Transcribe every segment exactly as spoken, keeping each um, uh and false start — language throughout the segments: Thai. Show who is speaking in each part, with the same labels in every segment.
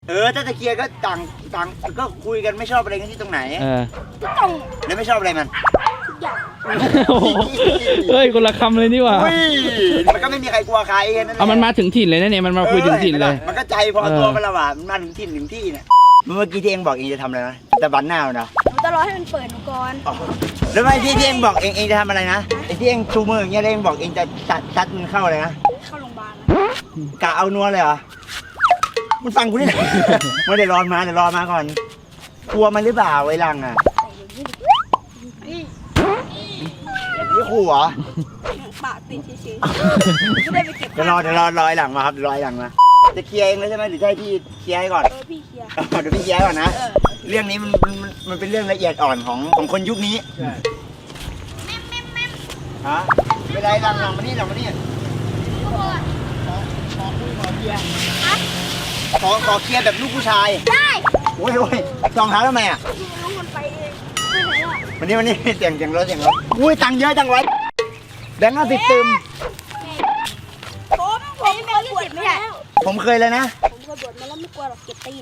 Speaker 1: เออถ้าจะเคลียร์ก็ต่างต่างก็คุยกันไม่ชอบอะไรกันที่ตรงไหน
Speaker 2: เออ
Speaker 3: ทุกตรง
Speaker 1: แล้วไม่ชอบอะไรมัน
Speaker 3: ทุกอย่าง
Speaker 2: โอ้โหเฮ้ยคนละคำเลยนี่หว่า
Speaker 1: อุ้ยมันก็ไม่มีใครกลัวใครนั่นแหละ
Speaker 2: เอามันมาถึงถิ่นเลยนะเนี่ยมันมาคุยถึงถิ่นเลย
Speaker 1: มันก็ใจพอตัวมันละว่ามันมาถึงถิ่นถึงที่เนี่ยเมื่อกี้ที่เองบอกเองจะทำอะไรนะแต่บันหน้าเนาะ
Speaker 3: หนูจะรอให้มันเปิดหนูก่อน
Speaker 1: แล้วไม่ที่ที่เองบอกเองเองจะทำอะไรนะไอ้ที่เองชูมืออย่างเงี้ยเองบอกเองจะตัดตัดมันเข้าเลยนะ
Speaker 3: เข้าโรงพยาบาล
Speaker 1: กะเอานัวเลยเหรอมันฟังกูนี่ ไม่ได้รอนมาเดี๋ยวรอมาก่อนกลัวมันหรือเปล่าไอ้ลังอ่ะนี่ขู่เหรอ
Speaker 3: ปากติดเฉยๆไม่ได้ไปเก็บ
Speaker 1: เดี๋ยวรอเดี๋ยวรอรอไอ้หลังมาครับเดี๋ยวรอไอ้หลังมาจะเคลียร์เองแล้วใช่ไหมหรือจะให้พี่เคลียร์ให้ก่อน
Speaker 3: เออพี่เคลียร์
Speaker 1: เดี๋ยวพี่เคลียร์ก่อนนะ เรื่องนี้มันมันมันเป็นเรื่องละเอียดอ่อนของของคนยุคนี้ฮะไม่ได้หลังหลังมานี่หลังมานี่ขอขอเคลียร์แบบลูกผู้ชาย
Speaker 3: ได้
Speaker 1: โอ้ยโอ้ยรองเท้าทำไมอ่ะ
Speaker 3: น้องมันไปเองไม่ไหนอ่ะ
Speaker 1: วันนี้วันนี้เสียงเสียงรถเสียงรถอุ้ยตังค์เยอะจังวะแบงค์ห้าสิบตึม
Speaker 3: ผมผมเคยบวชไม่ใช่
Speaker 1: ผมเคยเลยนะ
Speaker 3: ผมเคยบวชมาแล้วไม่กลัวหรอกเก็บตีน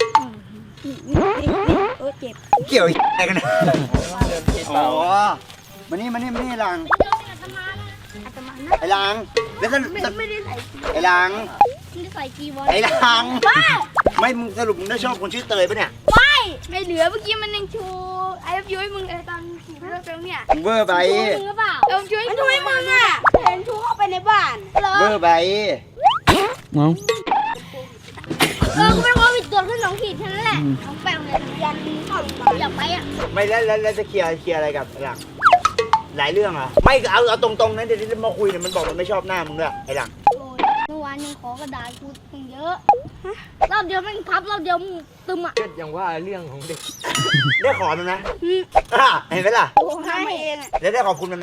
Speaker 3: เออเจ็บ
Speaker 1: เกี่ยวอะไรกันนะอ๋อมานี่มานี่มานี่หลัง
Speaker 3: อาตมานะ
Speaker 1: ไอ้หลังแล้วก็
Speaker 3: ไม่ไม่ได้ใส่
Speaker 1: ไอ้หลัง
Speaker 3: ไม่ได้ใส่จีวร
Speaker 1: ไอ้หลัง
Speaker 3: บ้า
Speaker 1: ไม่มึงสรุปมึงได้ชอบคนชื่อเตยปะเนี่ย
Speaker 3: ไม่ไม่เหลือเมื่อกี้มันยังชูไอ้ยุ้ยมึงไอ้ตอนขี่รถเฟลเนี่ย
Speaker 1: มึงเวอร์ไป
Speaker 3: มึงหรือเปล่าเออช่วยมันช่วยมึงอ่ะเห็นชูเข้าไปในบ้านเหรอ
Speaker 1: เวอร์ไป
Speaker 2: เอา
Speaker 3: เออกูเป็นโควิดตรวจขึ้นสองขีดแค่นั้นแหละน้องแปลงเลยยันเข้าโรงพยาบาลอยากไปอ่ะ
Speaker 1: ไม่แล้วแล้วแล้วจะเคลียร์เคลียร์อะไรกับไอ้หลังหลายเรื่องเหรอไม่เอาเอาตรงๆนะเดี๋ยวที่มาคุยเนี่ยมันบอกมันไม่ชอบหน้ามึงด้วยไอ้หลัง
Speaker 3: เมื่อวานยังขอกระดาษกูตั้งเยอะรอบเดียวแม่งพับรอบเดียวมึงตึมอ่ะ
Speaker 4: ก็ยังว่าเรื่องของเด็ก
Speaker 1: ได้ขอมันไหมอ่ะเห็นไหมล่ะ
Speaker 3: โอ้ให้เองอ่ะ
Speaker 1: แล้วได้ขอบคุณมันไหม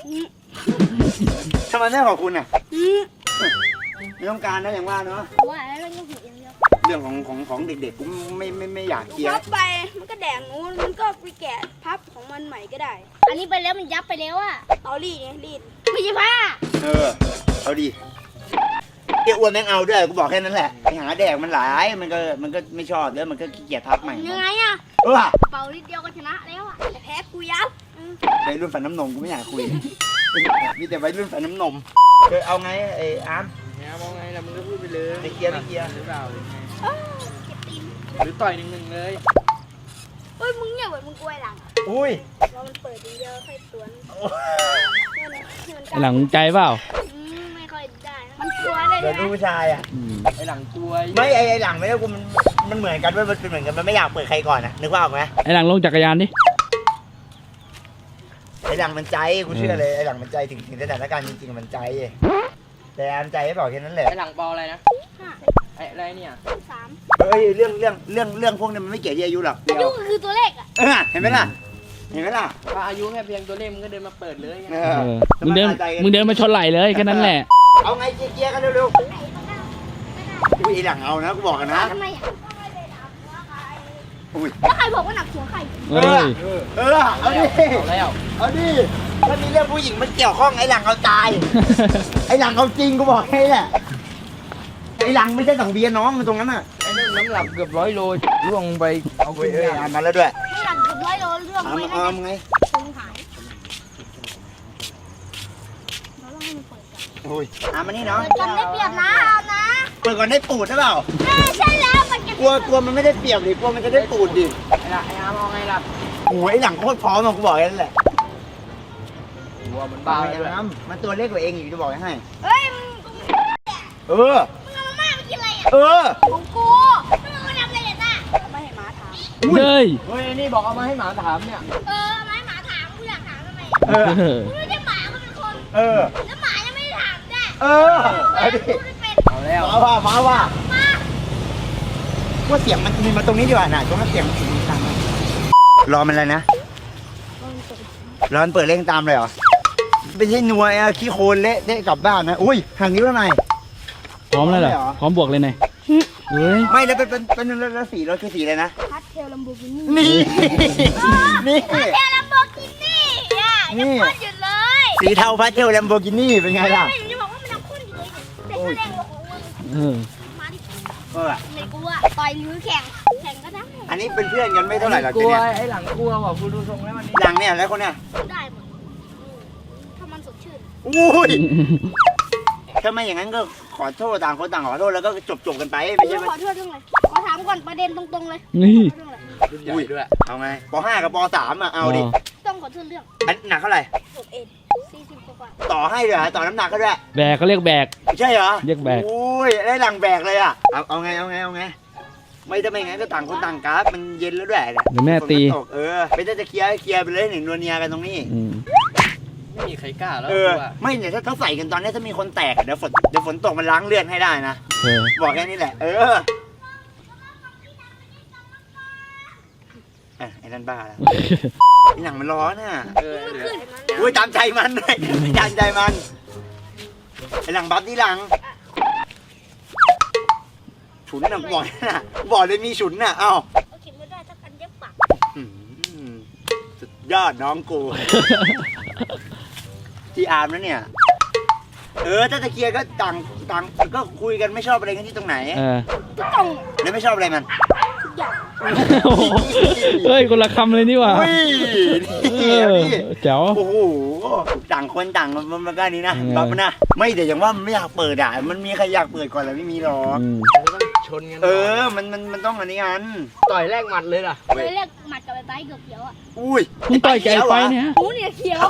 Speaker 1: ทำไมไม่ขอบคุณอ่ะไม่ต้องการนะอย่างว่าเนาะ
Speaker 3: ว่าแล้วยังผิดอย่างเดียว
Speaker 1: เรื่องของของของเด็กๆกูไม่ไม่ไม่อยากเคลียร์
Speaker 3: พับไปมันก็แดงนู้นมันก็ไปแกะพับของมันใหม่ก็ได้ อันนี้ไปแล้วมันยับไปแล้วอ่ะเอารีดไงรีดไม่ใช่ผ้า
Speaker 1: เออเอาดีเกี่ยอ้วนแม่งเอาด้วยกูบอกแค่นั้นแหละไปหาแดกมันหลายมันก็มันก็ไม่ชอบแล้วมันก็ขี้เกียจพับใหม่
Speaker 3: ยังไงอ่ะ
Speaker 1: เออ
Speaker 3: เป่านิดเดียวก็ชนะแล้วอ่ะแต่แพ้กูยับ
Speaker 1: ไปรุ่นฝันน้ำนมกูไม่อยากคุยมีแต่วัยรุ่นฝันน้ำนมเออเอาไงไอ้อาร์ม
Speaker 4: เนี่ยมองไงล่ะมึงก็พูดไปเลย
Speaker 1: ไม่เคลียร์ไม่เคลียร์
Speaker 4: หรือเปล่าหรือไง
Speaker 3: เก็บตีน
Speaker 4: หรือต่อยหนึ่งหนึ่งเลย
Speaker 3: เฮ้ยมึงเนี่ยเหมือนมึงกล้วยหลัง
Speaker 1: อุ้ย
Speaker 3: เรามันเปิดทีเดียวค่อยสวน
Speaker 2: ไอ้หลังใจเปล่า
Speaker 3: ไม่ค่อยได้มันกลัวได้
Speaker 1: เดี๋ยว
Speaker 3: ไหม
Speaker 1: ดูผู้ชายอ่ะ
Speaker 2: อืม
Speaker 4: ไอหลังกลัว
Speaker 1: ไม่ไอ้ไอ้หลังไม่ได้กูมันมันเหมือนกันด้วยมันเป็นเหมือนกันมันไม่อยากเปิดใครก่อนนะนึกว่าออกไหม
Speaker 2: ไอ้หลังลงจักรยานดิ
Speaker 1: ไอ้หลังมันใจกูเชื่อเลยไอ้หลังมันใจถึงถึงสถานการณ์จริงๆมันใจแต่อาร์มใจไม่บอกแค่นั้นแหละ
Speaker 4: ไอหลังเบาอะไรนะไออะไรเนี่ย
Speaker 3: สาม
Speaker 1: เฮ้ยเรื่องเรื่องเรื่องเรื่องพวกนี้มันไม่เกี่ยวที่อายุหรอก
Speaker 3: อายุก็คือตัวเลขอ่ะ
Speaker 1: เออเห็นไหมล่ะเห็นไหมล่ะ
Speaker 4: ถ้าอายุแค่เพียงตัวเลขมึงก็เดินมาเปิดเลยไง
Speaker 1: เอ
Speaker 2: เอ
Speaker 1: อ
Speaker 2: อมึงเดินมึงเดินมาชนไหลเลยแค่นั้นแหละ
Speaker 1: เอาไงเคลียร์กันเร็วๆอุ้ยไอ้หลังเอานะกูบอกกันนะ
Speaker 3: ทำไมอ่ะ
Speaker 1: อุ้ย
Speaker 3: แล้วใครบอกว่าหนักหัวใคร
Speaker 2: เฮ้ย
Speaker 1: เออเอาดิ
Speaker 4: เอาแล้ว
Speaker 1: เอาดิถ้ามีเรื่องผู้หญิงมันเกี่ยวข้องไอ้หลังเอาตายไอ้หลังเอาจริงกูบอกให้แหละไอ้หลังไม่ใช่สังเวียนน้องมันตรงนั้นน่ะ
Speaker 4: ไอนั่นน้ำหนักเกือบร้อยโลล่วงไปเอา
Speaker 1: เฮ้
Speaker 4: ขึ้
Speaker 1: ย
Speaker 4: น
Speaker 1: เอ้ย
Speaker 4: ยา
Speaker 1: อ่านมาแล้วด้วย
Speaker 3: ไม่หลังเกือบร้อยโลเรื่อง
Speaker 1: อ่าน
Speaker 3: ไม่
Speaker 1: มา
Speaker 3: ได้
Speaker 1: อ่านไง
Speaker 3: คงหายเราต้องให้มันเปิดกัน
Speaker 1: โอ้ยอ่านมานี่เนาะ
Speaker 3: เปิดกันได้เปรียบนะเอานะ
Speaker 1: เปิดก่อนได้ปูดหรือเปล่า
Speaker 3: เออใช่แล้วมันจะ
Speaker 1: กลัวกลัวมันไม่ได้เปรียบดิกลัวมันจะได้ปูดดิ
Speaker 4: ไอหลังไออาร์มองไงล่ะ
Speaker 1: โอ้ยไอ้หลังโคตรพร้อมอะกูบอกแค่นั้นแหละ
Speaker 4: หัวมัน
Speaker 1: เปล่า
Speaker 4: เบา
Speaker 1: ไอ้
Speaker 4: ด้วย
Speaker 1: น้ำมันตัวเล็กกว่าเองอีกจะบอกให้
Speaker 3: เฮ้ยมึง
Speaker 1: เออ
Speaker 3: มึงเอามาม่ามากินอะไรอ่ะ
Speaker 1: เออ
Speaker 3: ของกูมึงมาทำอะไรเนี่ยต้าไม่ให้หมาถาม
Speaker 2: เฮ้ย
Speaker 4: เฮ้ยนี่บอกเอามาให้หมาถามเนี่ย
Speaker 3: เออไม่ให้หมาถามกูอยากถามทำไม
Speaker 1: เออ
Speaker 3: กูไม่ใช่หมากูเป็นคน
Speaker 1: เออ
Speaker 3: แล้วหมายังไม่ได้ถามได้
Speaker 1: เออเอาดิ
Speaker 3: กูไม่เป็น
Speaker 4: เอาแล้ว
Speaker 1: มาว่ามาว่า
Speaker 3: มา
Speaker 1: ว่าเสียงมันมีมาตรงนี้ดีกว่าน่ะตรงนั้นเสียงมันถึงทางนั้นรอมันอะไรนะรอมันเปิดเร่งตามเลยเหรอไม่ใช่นัวไอ้ขี้โคลนเละเละกลับบ้านนะอุ้ยห่างนิ้วแล้วไง
Speaker 2: พร้อมแล้วเหรอพร้อมบวกเลยไงเฮ้ย
Speaker 1: ไม่แล้วเป็นเป็นเป็นแล้วสีรถคือสีอะไรนะ
Speaker 3: พัดเทลลัมโบกินี่
Speaker 1: นี่นี่
Speaker 3: พัดเทลลัมโบกินี่อ่ะยังพ่นอยู่เลย
Speaker 1: สีเทาพาสเทลแลมโบกินี่เป็นไงล่ะ
Speaker 3: ไม่จะบอกว่ามันยังพ่นอยู่เลยแต่แสดงว่าของมึง
Speaker 2: เออ
Speaker 3: มาดิ
Speaker 1: เออ
Speaker 3: ไม่กลัวต่อยหรือแข่งแข่งก็ได้
Speaker 1: อันนี้เป็นเพื่อนกันไม่เท่าไหร่หรอก
Speaker 4: กลัว
Speaker 1: เนี่ย
Speaker 4: ไอ้หลังกลัวว่ะกูดูทรงแล้วมันนี่
Speaker 1: หลังเนี่ยแล้วคนเนี่ย
Speaker 3: ได้หมดอืมถ้ามันสดชื่น
Speaker 1: อุ้ยถ้าไม่อย่างนั้นก็ขอโทษต่างคนต่างขอโทษแล้วก็จบจบๆกันไปไม่ใช่ไหม
Speaker 3: ขอโทษเรื่องอะไรขอถามก่อนประเด็นตรงๆเลย
Speaker 2: นี่
Speaker 3: เรื่องอะไร
Speaker 4: รุ่นใหญ่ด้วย
Speaker 1: เอาไงปห้ากับปสามอ่ะเอาดิ
Speaker 3: ต้องขอโทษเรื่อง
Speaker 1: อันหนักเท่าไหร่
Speaker 3: หกเอ็ดสี่สิบกว่า
Speaker 1: ต่อให้เลยเหรอต่อน้ำหนักก็ด้วย
Speaker 2: แบกก็เรียกแบก
Speaker 1: ใช่เหรอ
Speaker 2: เรียกแบก
Speaker 1: อุ้ยได้หลังแบกเลยอ่ะเอาเอาไงเอาไงเอาไงไม่ถ้าไม่งั้นก็ต่างคนต่างกราฟมันเย็นแล้วด้วยเนี่ย
Speaker 2: เดี๋ยวแม่ตี
Speaker 1: ฝนนตกเออไม่ได้จะเคลียร์เคลียร์ไปเลยหนึ่งนวลเนียกันตรงนี้
Speaker 2: อืม
Speaker 4: ไม่มีใครกล้าแล้ว
Speaker 1: เอ
Speaker 4: กู
Speaker 1: อ
Speaker 4: ว่า
Speaker 1: ไม่เนี่ยถ้าเขาใส่กันตอนนี้ถ้ามีคนแตกอะเดี๋ยวฝนเดี๋ยวฝนตกมันล้างเลือดให้ได้นะ
Speaker 2: เออ
Speaker 1: บอกแค่นี้แหละ เอออ่ะไอ้นั่นบ้าแล้วไอ้หนังมันร้อนอ่ะ
Speaker 4: เออ
Speaker 3: ๆ
Speaker 4: เหลื
Speaker 3: ขึ้
Speaker 4: อน
Speaker 1: อุ้ยตามใจมันเลยตามใจมันไอ้หลังบัฟที่หลังฉุนน่ะบอกน่ะบอกเลยมีฉุนน่ะเอ้า
Speaker 3: เอาเข็มไม่ได้ถ้ากันเย็บปาก
Speaker 1: อืมสุดยอดน้องกู ที่อาร์มนะเนี่ย เออถ้าตะเกียร์ก็ต่างต่างก็คุยกันไม่ชอบอะไรกันที่ตรงไหน
Speaker 2: เออ
Speaker 3: ทุกตรง
Speaker 1: แล้วไม่ชอบอะไรมัน
Speaker 3: ทุกอย่าง
Speaker 2: โอ้โหเฮ้ยคนละคำเลยนี่หว่า
Speaker 1: อุ้ย
Speaker 2: เอ
Speaker 1: นี่
Speaker 2: อ
Speaker 1: นี่
Speaker 2: แจ๋ว
Speaker 1: โอ้โหต่างคนต่างมันมันก็นี้นะ
Speaker 2: เออ
Speaker 1: บัฟนะ ไม่แต่อย่างว่ามันไม่อยากเปิดอ่ะ มันมีใครอยากเปิดก่อนแล้วไม่มีหรอก
Speaker 2: อืม
Speaker 4: มันก็ต้องชนกัน
Speaker 1: เออ มันมันมันต้องอันนี้กัน
Speaker 4: ต่อยแรกหมัดเลยล่ะ
Speaker 3: เคยเรียกหมัดกับไอ้ไบเกือบเขียวอ่ะ
Speaker 1: อุ้ย
Speaker 2: มึงต่อยไก่ไปเนี่ย
Speaker 3: หูเนี่ยเขียว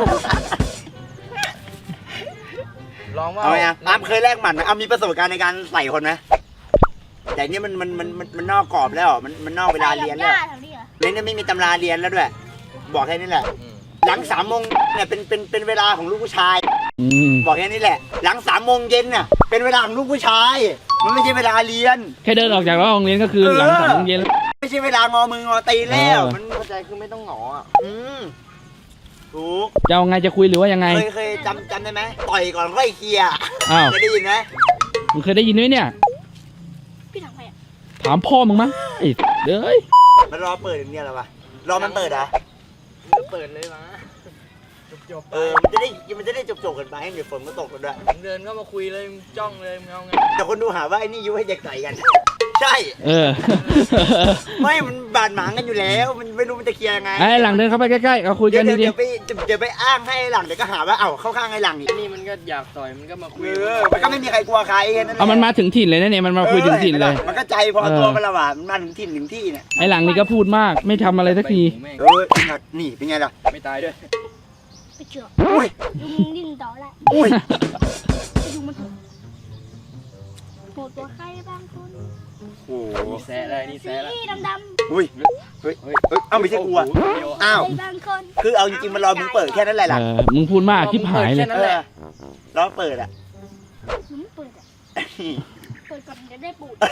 Speaker 4: ลองว่า
Speaker 1: เอาไงอ่ะอาร์มเคยแลกหมัดไหมเอามีประสบการณ์ในการใส่คนไหมแต่เนี่ยมันมันมันมันมันนอกกรอบแล้วอ่ะมันมันนอกเวลาเรียนแล้ว
Speaker 3: ใส่กับญาติแถวนี้เหรอ
Speaker 1: เล่นไม่มีตำราเรียนแล้วด้วย บอกแค่นี้แหละ
Speaker 4: อืม
Speaker 1: หลังสามโมงเนี่ยเป็นเป็นเป็นเวลาของลูกผู้ชาย
Speaker 2: อืม
Speaker 1: บอกแค่นี้แหละ หลังสามโมงเย็นน่ะเป็นเวลาของลูกผู้ชาย มันไม่ใช่เวลาเรียน
Speaker 2: แค่เดินออกจากโรงเรียนก็คือหลังสามโมงเย็น
Speaker 1: ไม่ใช่เวลางอมืองอตีนแล้ว
Speaker 2: เออ
Speaker 1: มันเข้าใจคือไม่ต้องหงออ่ะอืมถูก
Speaker 2: จะเอาไงจะคุยหรือว่ายังไง
Speaker 1: เคยเคยจำจำได้ไหมต่อยก่อนค่อยเคลียร์
Speaker 2: อ้าว
Speaker 1: เคยได้ยินไหม
Speaker 2: มึงเคยได้ยินไหมเนี่ย
Speaker 3: พี่ทำไงอ่ะ
Speaker 2: ถามพ่อมึงมั้งไอ้เด้ย
Speaker 1: มันรอเปิดอย่างเดียวเหรอวะรอมันเปิดเหรอ่ะ
Speaker 4: มันก็เปิดเลยมาจบๆไป
Speaker 1: เออมันจะได้มันจะได้จบจบๆกันไปเดี๋ยวฝนมันตกกันด้วย
Speaker 4: มึงเดินเข้ามาคุยเลยมึงจ้องเลยมึงเอาไง
Speaker 1: แต่คนดูหาว่าไอ้นี่ยุให้เด็กต่อยกัน ใช่
Speaker 2: เออ
Speaker 1: ไม่มันบาดหมางกันอยู่แล้ว มันไม่รู้มันจะเคลียร์ยังไง
Speaker 2: ไอ้หลังเดินเข้าไปใกล้ๆเอาคุย
Speaker 1: เดี๋
Speaker 2: กั
Speaker 1: ยวน เดี๋ยว
Speaker 2: ดี
Speaker 1: เดี๋ยวไปเดี๋ยวไปอ้างให้หลังเดี๋ยวก็หาว่าเอ้าเข้าข้างไอ้หลังอีก
Speaker 4: ไอ้นี่มันก็อยากต่อยมันก็มาคุย
Speaker 1: เออมันก็ไม่มีใครกลัวใครแค่นั้น
Speaker 2: ๆ
Speaker 1: แหละ
Speaker 2: เอามันมาถึงถิ่นเลยนะเนี่ยมันมาคุยถึงถิ่นเลย
Speaker 1: มันก็ใจพอตัวมันและว่ะมันมาถึงถิ่นถึงที่เนี่ย
Speaker 2: ไอ้หลังนี่ก็พูดมากไม่ทำอะไรสักที
Speaker 4: แม่ง
Speaker 1: เออนี่เป็นไงล่ะ
Speaker 4: ไม่ตายด้วย
Speaker 3: ไปเชื่อ
Speaker 1: อุ้ย
Speaker 3: ลุงดิ้นต่อละ
Speaker 1: อุ้ย
Speaker 3: ไปดูมันโหดตัวใครบางคน
Speaker 1: โอ้โห
Speaker 4: นี่แซะเลยนี่แซะแล้ว
Speaker 3: สีดำ
Speaker 1: อุ้ยเฮ้ยเฮ้ยเฮ้ยเอ้าไม่ใช่กลัว
Speaker 4: โอ้โหเดี๋ยว
Speaker 3: ๆ
Speaker 1: อ้าว
Speaker 3: ใครบางคน
Speaker 1: คือเอาจริงๆมันรอมึงเปิดแค่นั้นแหละ
Speaker 2: เอ
Speaker 1: ล่ะ
Speaker 2: อมึงพูดมากทิพหายเลย
Speaker 4: นั่นแหละ
Speaker 1: รอเปิดอ่ะ
Speaker 3: หนูไม่เปิดอ่ะเปิดก่อนจะได้ปูด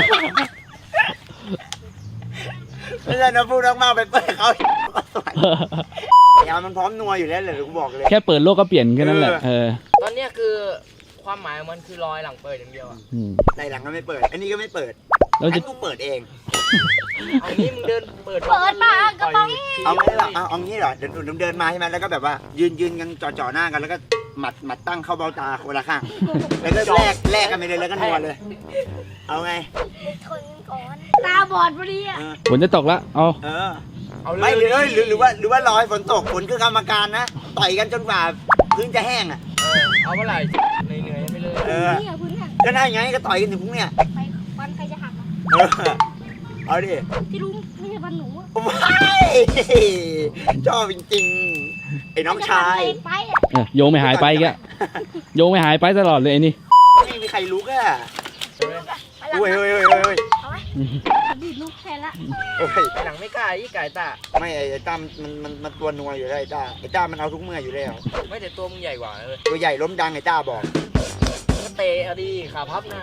Speaker 1: ไม่ใช่นะพูดมากๆไปเปิดเขายามันพร้อมนัวอยู่แล้วเลยกูบอกเลย
Speaker 2: แค่เปิดโลกก็เปลี่ยนแค่นั้นแหละเออ
Speaker 4: ตอนเนี้ยคือความหมายของมันคือรอยหลังเปิดอย่างเดียวอะ
Speaker 2: อืม
Speaker 1: ในหลังก็ไม่เปิด อันนี้ก็ไม่เปิด
Speaker 2: แล้ว
Speaker 1: อั
Speaker 2: จะ
Speaker 1: นกูเปิดเอง
Speaker 4: เอางี้มึงเดินเปิด
Speaker 3: เปิดมากระป๋อง
Speaker 1: เอางี้เหรอเอาเอางี้เหรอเดินเดินเดินมาใช่ไหมแล้วก็แบบว่า ยืนยืนกันจ่อๆหน้ากันแล้วก็หมัดหมัดตั้งเข้าเบ้าตาคนละข้าง แล้วก็แลกแลกกันไปเลยแล้วก็นัวเลย เอาไง
Speaker 3: ทนก่อนตาบอดพอดีอ่ะ
Speaker 1: เออ
Speaker 2: ฝนจะตกละเอา
Speaker 1: เออ
Speaker 4: เอาเลย
Speaker 1: ไม่หรือหรือหรือว่าหรือว่ารอให้ฝนตกฝนคือกรรมการนะ ต่อยกันจนกว่าพื้นจะแห้งอ่ะ
Speaker 4: เออเอาเมื่อไหร่เหนื่อยๆไปเลย
Speaker 1: เออ
Speaker 3: นี่อ่ะพื้นหัก
Speaker 1: ก็ได้ไงก็ต่อยกันถึงพรุ่งเนี่ย
Speaker 3: ไปฟันใครจะหักอ่ะ
Speaker 1: เออ เอาดิ
Speaker 3: ที่รู้ไม่ใช่ฟันหนูอ่ะ
Speaker 1: ว้ายชอบจริงๆ ไอ้น้องชาย
Speaker 3: ไม่ใฟันเล็กไปอ่ะ
Speaker 2: เออโยงไม่หายไปแกโยงไม่หายไปตลอดเลยไอ้นี่
Speaker 1: ไม่มีใครรู้ก็
Speaker 4: ใช่ไหม
Speaker 3: ไปหลัง
Speaker 1: เฮ้ย
Speaker 3: นะ
Speaker 1: เฮ้ยเฮ้ยเฮ้ย
Speaker 3: เอาไหมดีดลูกแทนละ
Speaker 1: เฮ้ย
Speaker 4: ไอ้หลังไม่กล้าอีไก่ตา
Speaker 1: ไม่ไอ้ต้ามันมันมันตัวนัวอยู่แล้วไอ้ต้าไอ้ต้ามันเอาทุกเมื่ออยู่แล้ว
Speaker 4: ไม่แต่ตัวมึงใหญ่กว่าเลย
Speaker 1: ตัวใหญ่ล้มดังไอ้ต้าบอก
Speaker 4: ก็เตะเอาดีขาพับหน้า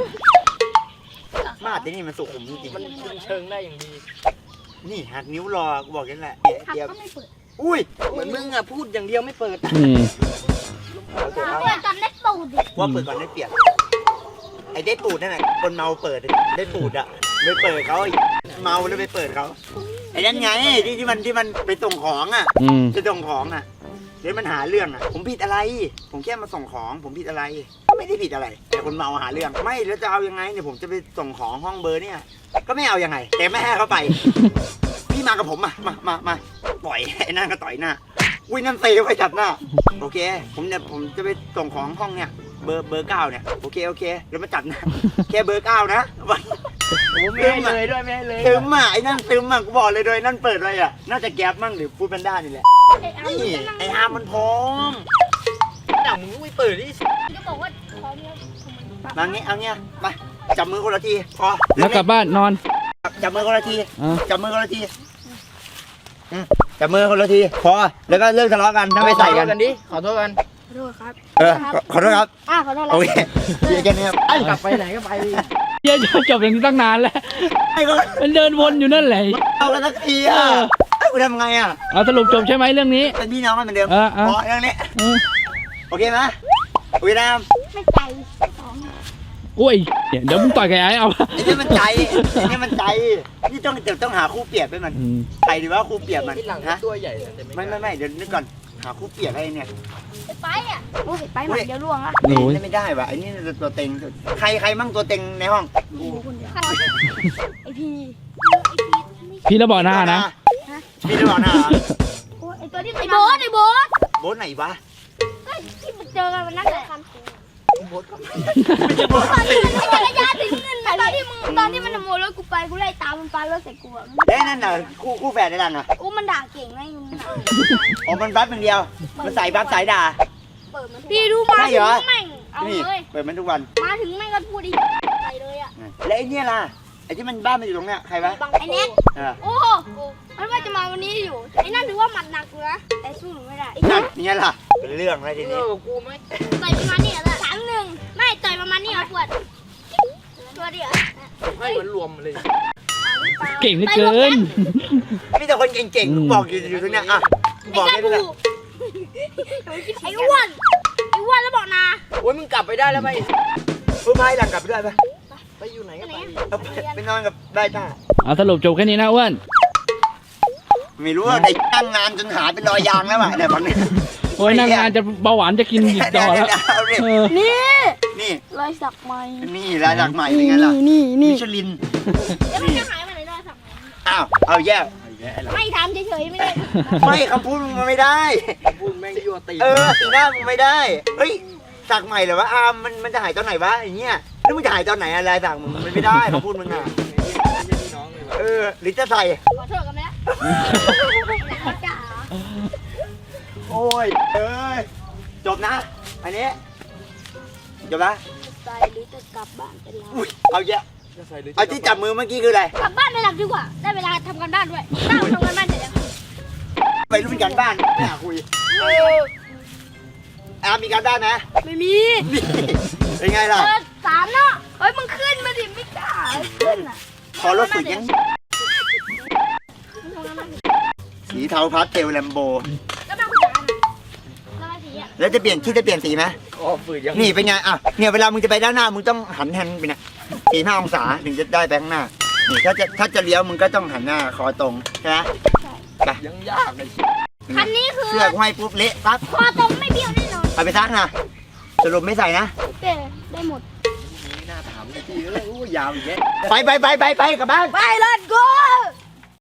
Speaker 1: มาดที่นี่มันสุขุมจริง
Speaker 4: มันคุมเชิงได้อย่างดี
Speaker 1: ๆนี่หักนิ้วรอกูบอกกันแหละ
Speaker 3: หัก
Speaker 1: เดี๋ยว
Speaker 3: ก็ไม่เปิด
Speaker 1: อุ้ย
Speaker 4: เหมือนมึงอะพูดอย่างเดียวไม่เปิด
Speaker 2: อืม
Speaker 1: เอาเถอะเอา
Speaker 3: เปิดตอนได้ปูดดิ
Speaker 1: ว่าเปิดก่อนได้เปรียบไอ้ได้ปูดนั่นแหละคนเมาเปิดได้ปูดอะไม่เปิดเขาไอ้เมาแล้วไปเปิดเขาไอ้นั่นไงที่ที่มันที่มันไปส่งของอะ
Speaker 2: อืม
Speaker 1: จะส่งของอะเดี๋ยวมันหาเรื่องอ่ะผมผิดอะไร ผมแค่มาส่งของผมผิดอะไรก็ไม่ได้ผิดอะไร แต่คนเมาหาเรื่องไม่แล้วจะเอายังไงเนี่ยผมจะไปส่งของห้องเบอร์เนี่ยก็ไม่เอายังไงแต่ไม่ให้เขาไป พี่มากับผมมามามามาปล่อยไอ้นั่นก็ต่อยหน้าอุ้ยนั่นเซไปจัดหน้าโอเคผมเนี่ยผมจะไปส่งของห้องเนี่ยเบอร์เบอร์เก้าเนี่ยโอเคโอเคแล้วมาจัดนะแค่เบอร์เก้านะวัน
Speaker 4: ผมไม่ให้เลยด้วยไม่ให้เลย
Speaker 1: ซึมอ่ะไอ้นั่นซึมอ่ะกูบอกเลยโดยนั่นเปิดเลยอ่ะน่าจะแก๊ปมั่งหรือฟูดแพนด้านี่แหละ
Speaker 3: ไอ้อาร์ม
Speaker 1: นี่
Speaker 3: จะนั่ง
Speaker 1: ไอ้อาร์มมันพร้อม
Speaker 4: แต่มึงไม่เปิดดิ
Speaker 3: จะบอกว่าพร้อมแล้ว
Speaker 1: มางี้เอาเงี้ยมาจับมือคนละทีพอ
Speaker 2: แล้วกลับบ้านนอน
Speaker 1: จับมือคนละที
Speaker 2: อ่า
Speaker 1: จับมือคนละทีอืมจับมือคนละทีพอแล้วก็เลิกทะเลาะกันถ้าไม่ใส่กัน
Speaker 4: กันดิขอโทษกัน
Speaker 3: ขอโทษครับ
Speaker 1: เออขอขอโทษครับ
Speaker 3: อ่าขอโทษแล้
Speaker 1: โอ
Speaker 3: ว
Speaker 1: เคเดี๋ยวแค่นี้ครับไอ้
Speaker 4: กลับไปไหนก็ไปดิ
Speaker 2: เหี้ยอะจบอย่างนี้ตั้งนานแล้ว
Speaker 1: ไอ้ก็
Speaker 2: มันเดินวนอยู่นั่นแหละ
Speaker 1: เอากันสักทีอ่ะไอ้กูทำไงอ่ะ
Speaker 2: เอาสรุปจบใช่ไหมเรื่องนี้
Speaker 1: เป็นพี่น้องกันเหมือนเดิม
Speaker 2: เออเออ
Speaker 1: พอเรื่องนี้
Speaker 2: เออ
Speaker 1: โอเคไหมโอเคนะ
Speaker 3: ไม่ใจสอง
Speaker 2: โอ้ยเดี๋ยวมึงต่อยกับไอ้เอา
Speaker 1: ไอ้นี่มันใจไอ้นี่มันใจนี่ต้องเดี๋ยวต้องหาคู่เปรียบให้มัน
Speaker 2: อืม
Speaker 1: ใครดีว่าคู่เปรียบมัน
Speaker 4: ที่หลัง
Speaker 1: ฮะ
Speaker 4: ตัวใหญ่แต่
Speaker 1: ไม่ไม่ไม่เดี๋ยวนึกก่อนหาคู่เปรียบให้เนี่ย
Speaker 3: ไปอ่ะโอ้ยไปหมันเดี๋ยวล่วงอ่ะ
Speaker 2: โอ้ย
Speaker 1: นี่ไม่ได้ว่ะไอ้นี่ตัวเต็งใครใครมั่งตัวเต็งในห้อง
Speaker 3: กูคนเดียวไอพี
Speaker 2: พี่ระบอกหน้านะ
Speaker 1: พี่จะบอกหน้าเหรอ
Speaker 3: โอ้ยไอตัวที่ไอโบ๊ทไอโบ๊ท
Speaker 1: โบ๊ทไหนวะ
Speaker 3: เฮ้ยที่มันเจอกันวันนั้นเลย
Speaker 1: โบ๊ทก็ไม่ไม่ใช่โบ๊ท
Speaker 3: ตอนที่มันไอ้จักรยานถึงเงินตอนที่มึงตอนที่มันขโมยรถกูไปกูไล่ตามมันปาเลิกใส่กูอ่ะ
Speaker 1: เอ้ยนั่นน่ะคู่คู่แฝดในรังอ่ะ
Speaker 3: กูมันด่าเก่งไงมึงด่า
Speaker 1: อ๋อมันบัฟอย่างเดียวมันใส่บัฟสายด่า
Speaker 3: พี่ดูมา
Speaker 1: ใช่
Speaker 3: ถึ
Speaker 1: เหรอ
Speaker 3: งแม่งเอา
Speaker 1: นี่
Speaker 3: เลย
Speaker 1: เปิดมันทุกวัน
Speaker 3: มาถึงแม่งก็พูดอีกใส่เลยอ่ะ
Speaker 1: แล้วไอ้เนี่ยล่ะไอ้ที่มันบ้านมันอยู่ตรงเนี้ยใครวะ
Speaker 3: ไอ้แน็ก
Speaker 1: เออ
Speaker 3: โอ้โหมันว่าจะมาวันนี้อยู่ไอ้นั่นถือว่าหมัดหนักอยู่นะแต่สู้หนูไม่ได้
Speaker 1: นั่นอย่างเงี้ยล่ะเป็นเรื่องอะไรที
Speaker 4: เอ
Speaker 1: นี้
Speaker 4: อกูไหม
Speaker 3: ต่อยประมาณนี้อ่ะสามหนึ่งไม่ต่อยประมาณนี้อ่ะปวดตัวเดียว
Speaker 4: ให้มันรวมเลย
Speaker 2: เก่งเหลือเกิน
Speaker 1: มีแต่คนเก่งๆบอกอยู่อยู่ตรงเนี้ยอ่ะ
Speaker 3: ไอ้
Speaker 1: บอก
Speaker 3: กา
Speaker 1: ได้
Speaker 3: บู
Speaker 1: เลย
Speaker 3: ไอ้อ้วนไอ้อ้วนแล้วบอกนา
Speaker 4: โอ้ยมึงกลับไปได้แล้วไป
Speaker 1: ผู้พายหลังกลับไปด้วยปะ
Speaker 4: ไปอยู่ไหนก็ไป
Speaker 1: เอาไปไปนอนกับได้จ้า
Speaker 2: เอาสรุปจบแค่นี้นะอ้วน
Speaker 1: ไม่รู้ว่าได้ตั้งงานจนหาเป็นรอยยางแล้วอ่ะเนี่ยตอนนี้
Speaker 2: โอ้ยนางงานจะเบาหวานจะกินหยิบดอแล้ว
Speaker 1: เอาดิ
Speaker 2: เออ
Speaker 3: นี่
Speaker 1: นี่
Speaker 3: รอยสักไหม
Speaker 1: นี่รายหลักใหม่เป็นไงล่ะ
Speaker 3: นี่นี่
Speaker 1: มิชลิน
Speaker 3: แล้วมันจะหายไปไหนรอยสักไหม
Speaker 1: อ้าวเอาแย่
Speaker 3: ไม่ทำเฉยๆไม่ได้
Speaker 1: ไม่คำพูดมึงมันไม่ได้
Speaker 4: พูดแม่งยั่วตี
Speaker 1: เออสีหน้ามึงไม่ได้เฮ้ยสักใหม่เหรอวะอามมันมันจะหายตอนไหนวะอย่างเงี้ยแล้วมึงจะหายตอนไหนอะไรสักมึงมันไม่ได้คำพูดมึงอ่ะ
Speaker 4: พี่น้องเลย
Speaker 1: เออหรือจะใส่
Speaker 3: ขอโทษกันไหมล่ะจ๋า
Speaker 1: โอ้ยเอ้ยจบนะ อันนี้จบนะ
Speaker 3: ใจหรือจะกลับบ้านไปแล้ว
Speaker 1: อุ้ยเอาแย่
Speaker 4: จะใส่หรือ
Speaker 1: เอาที่จับมือเมื่อกี้คืออะไร
Speaker 3: กลับบ้านไปหลับดีกว่า ได้เวลาทำกันบ้านด้วยตั้งทำกันบ้านเสร็จแล้ว
Speaker 1: ไปรู้เป็นการบ้านไม่อยากคุยอามมีการบ้านไหม
Speaker 3: ไม่มี
Speaker 1: นี่เป็นไงล่ะ
Speaker 3: เออสามเนาะเฮ้ยมึงขึ้นมาดิไม่กล้าขึ้นอ่ะ
Speaker 1: ขอรถฝึกยังสีเทาพาสเทลแลมโบ
Speaker 3: แล้วมาคุณจ๋าน่ะแล้วมาสีอ่ะ
Speaker 1: แล้วจะเปลี่ยนที่จะเปลี่ยนสีไหม
Speaker 4: อ๋อฝืนยัง
Speaker 1: นี่เป็นไงอ่ะเนี่ยเวลามึงจะไปด้านหน้ามึงต้องหันแฮนด์ไปนะสี่ห้าองศาถึงจะได้ไปข้างหน้านี่ถ้าจะถ้าจะเลี้ยวมึงก็ต้องหันหน้าคอตรงใช่ไหมไป
Speaker 4: ยังยากเลย
Speaker 3: คันนี้คือ
Speaker 1: เสื้อห้อยปุ๊บเละปั๊บ
Speaker 3: คอตรงไม่เบี้ยวแน่นอน
Speaker 1: เอาไปซักนะสรุปไม่ใส่นะ
Speaker 3: โอเคได้หมด
Speaker 4: ไม่น่าถามเลยพี่เอ้ยอู้ยาวอีกแยะ
Speaker 1: ไปไปไปไปไปกลับบ้าน
Speaker 3: ไปเลยกู